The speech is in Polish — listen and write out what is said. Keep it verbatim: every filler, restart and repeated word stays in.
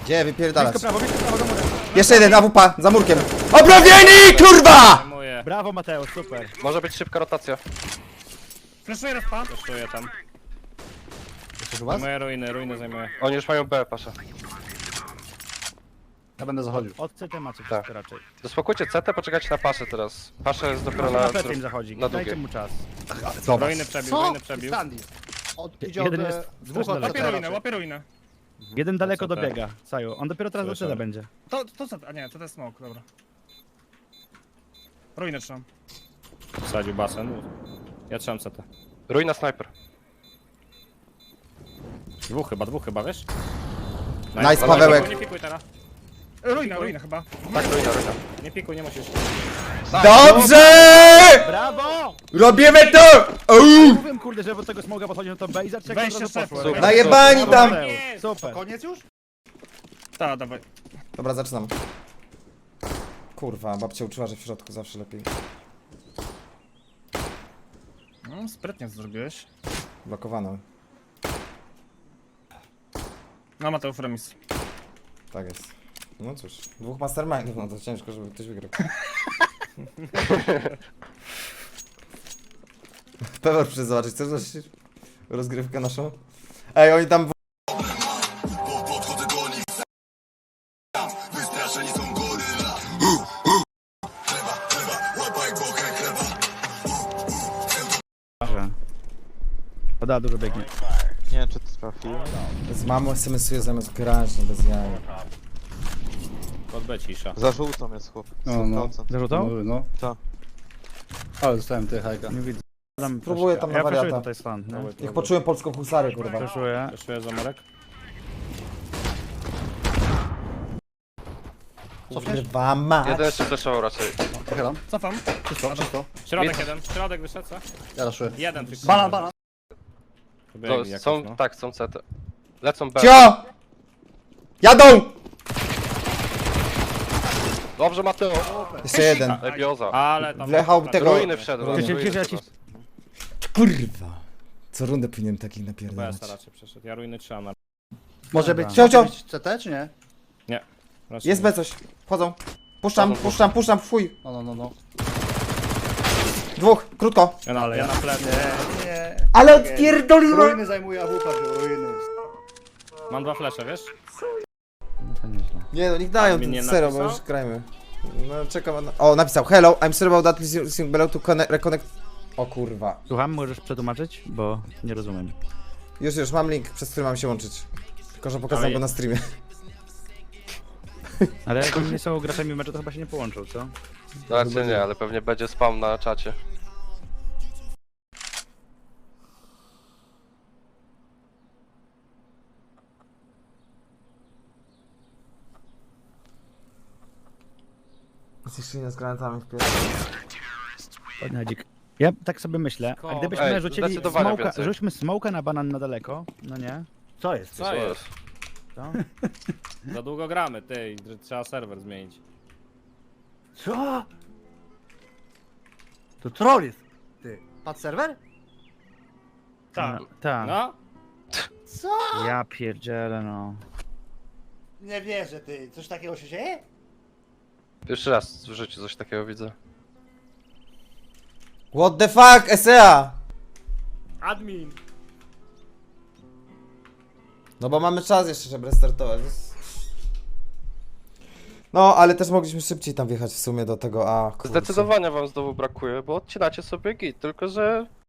Gdzie wypierdalać? Blisko prawo, blisko prawo do murem. Jeszcze jeden, A W P, za murkiem. Obrowieni, kurwa! Zajmuję. Brawo Mateusz, super. Może być szybka rotacja. Flashuję respa. Kosztuję tam. Jesteś u was? Zajmuję ruiny, ruiny zajmuję. Oni już mają B, pasza. Ja będę zachodził. Od C T macie Tak. wszystko raczej. Dospokójcie C T, poczekajcie na paszę teraz. Pasza jest dopiero Może na... na plecy im zachodzi, na dajcie długie. mu czas. Ruiny przebił, ruiny przebił. Sandy. Od, idzie Jeden od, jest e, strasznie dwóch od daleko. Łapię C T ruinę, raczej. łapię ruinę. Jeden daleko C T. dobiega, Saju. On dopiero teraz do Słyszę. C T będzie. To, to co? A nie, to jest smoke, dobra. Ruinę trzymam. Wsadził basen. Ja trzymam C T. Ruina sniper. Dwóch chyba, dwóch chyba, wiesz? Nice, Pawełek. Nie pikuj teraz. Ruina, ruina chyba. Tak, ruina, ruina. Nie pikuj, nie musisz. Dobrze! Brawo! Robimy to! Uuu. Mówiłem kurde, że od tego smoga podchodzi na to B i zacznie jak Weź to od się razu poszło. szefie. Najebani tam! Super. Koniec już? Ta, dawaj. Dobra, zaczynam. Kurwa, babcia uczyła, że w środku zawsze lepiej. No, sprytnie to zrobiłeś. Blokowano. No, Mateusz remis. Tak jest. No cóż, dwóch mastermindów, no to ciężko, żeby ktoś wygrał. Pewor przyszedł zobaczyć, chcesz zobaczyć rozgrywkę naszą? Ej, oni tam... w- Poda, dużo biegnie. Nie wiem czy to trafił. Z mamą es em esuje zamiast grać, no bez jaj. Pod B cisza. Za żółtą jest chłop. No, no. sto procent. Zarzucał? No, no. Tak. Ale dostałem ty hajka. Nie widzę. Tam Próbuję tam na Ja poszuję wariata. tutaj stan, nie? Niech poczułem polską husarię, kurwa. Poszuję. Kosztuję zamorek. Kurwa mać. Jeden jeszcze flashował raczej. Pochylam. Cofam. Czysto, czysto. Środek jeden, środek wyszedł, co? Ja raszuję. Jeden tylko. Banan, banan. Wybiegli To jakoś, są, no. tak, są C T. Lecą B. Cio! Jadą! Dobrze, Mateo. Jeszcze jeden. Lebioza. Ale tam... Wlechał tego... Ruiny wszedł. Ruiny. ruiny Cię- cię- wszedł. Kurwa. Co rundę powinienem takich B napierdalać. S raczej przeszedł. Ja ruiny trzymam na... Może być, Cio, cio. może być C T, czy nie? raczej Jest nie. B coś. Wchodzą. Puszczam, Wchodzą, puszczam, puszczam, fuj. No, no, no, no. Dwóch, krótko. Ja na, ja na plecy. Nie. Ale odpierdoliłem! Ruiny zajmuje A W P, wziął, ruiny. Mam dwa flesze, wiesz? No to nieźle. Nie no, niech dają mi nie ten zero, bo napisał? już grajmy. No czekam na... O, napisał. Hello, I'm sorry about that, please using below to connect, reconnect... O kurwa. Słucham, możesz przetłumaczyć? Bo nie rozumiem. Już, już, mam link, przez który mam się łączyć. Tylko, że pokazałem Ale- go na streamie. Ale jak oni nie są graczami meczu, to chyba się nie połączą, co? Znaczy nie, ale pewnie będzie spam na czacie. Zniszczenie z granatami w pierwszym. Podnadzik. Ja tak sobie myślę, a gdybyśmy Ej, rzucili zdecydowanie smoka, więcej. rzućmy smoka na banan na daleko, no nie? Co jest? Co jest? Co? Za długo gramy, ty. i Trzeba serwer zmienić. Co? To troll jest. Ty. Pad serwer? Tak. No, tak. No? Co? Ja pierdzielę, no. Nie wierzę, ty. Coś takiego się dzieje? Pierwszy raz w życiu coś takiego widzę. What the fuck, S E A! Admin! No bo mamy czas jeszcze, żeby restartować. więc- No, ale też mogliśmy szybciej tam wjechać w sumie do tego A. Kurczę. Zdecydowanie wam znowu brakuje, bo odcinacie sobie git, tylko że